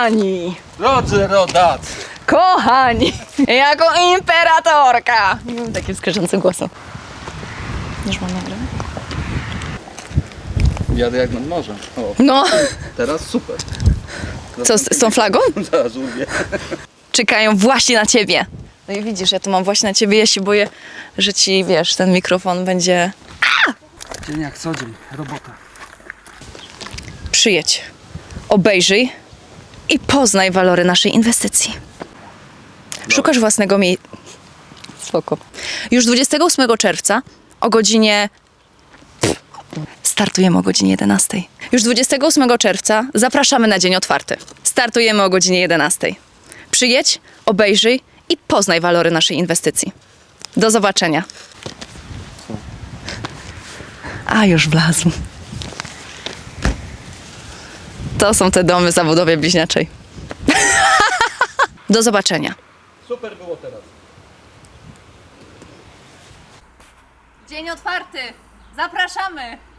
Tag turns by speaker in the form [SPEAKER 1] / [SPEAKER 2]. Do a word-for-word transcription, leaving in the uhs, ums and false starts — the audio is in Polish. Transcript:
[SPEAKER 1] Kochani,
[SPEAKER 2] Drodzy rodacy,
[SPEAKER 1] kochani, jako imperatorka. Nie mam takim skarżącym głosem. Już mam nagrać?
[SPEAKER 2] jadę jak nad morzem. O,
[SPEAKER 1] No,
[SPEAKER 2] teraz super.
[SPEAKER 1] co z, z tą flagą?
[SPEAKER 2] Zaraz urwie.
[SPEAKER 1] Czekają właśnie na ciebie. No i widzisz, ja tu mam właśnie na ciebie, ja się boję, że ci, wiesz, ten mikrofon będzie...
[SPEAKER 2] Dzień jak co dzień, robota.
[SPEAKER 1] Przyjedź, obejrzyj i poznaj walory naszej inwestycji. Szukasz własnego miejsca. Spoko. Już dwudziestego ósmego czerwca o godzinie... Startujemy o godzinie jedenastej. Już dwudziestego ósmego czerwca zapraszamy na dzień otwarty. Startujemy o godzinie jedenastej. Przyjedź, obejrzyj i poznaj walory naszej inwestycji. Do zobaczenia. A, już wlazł. To są te domy w zabudowie bliźniaczej. Do zobaczenia.
[SPEAKER 2] Super było teraz.
[SPEAKER 1] Dzień otwarty. Zapraszamy.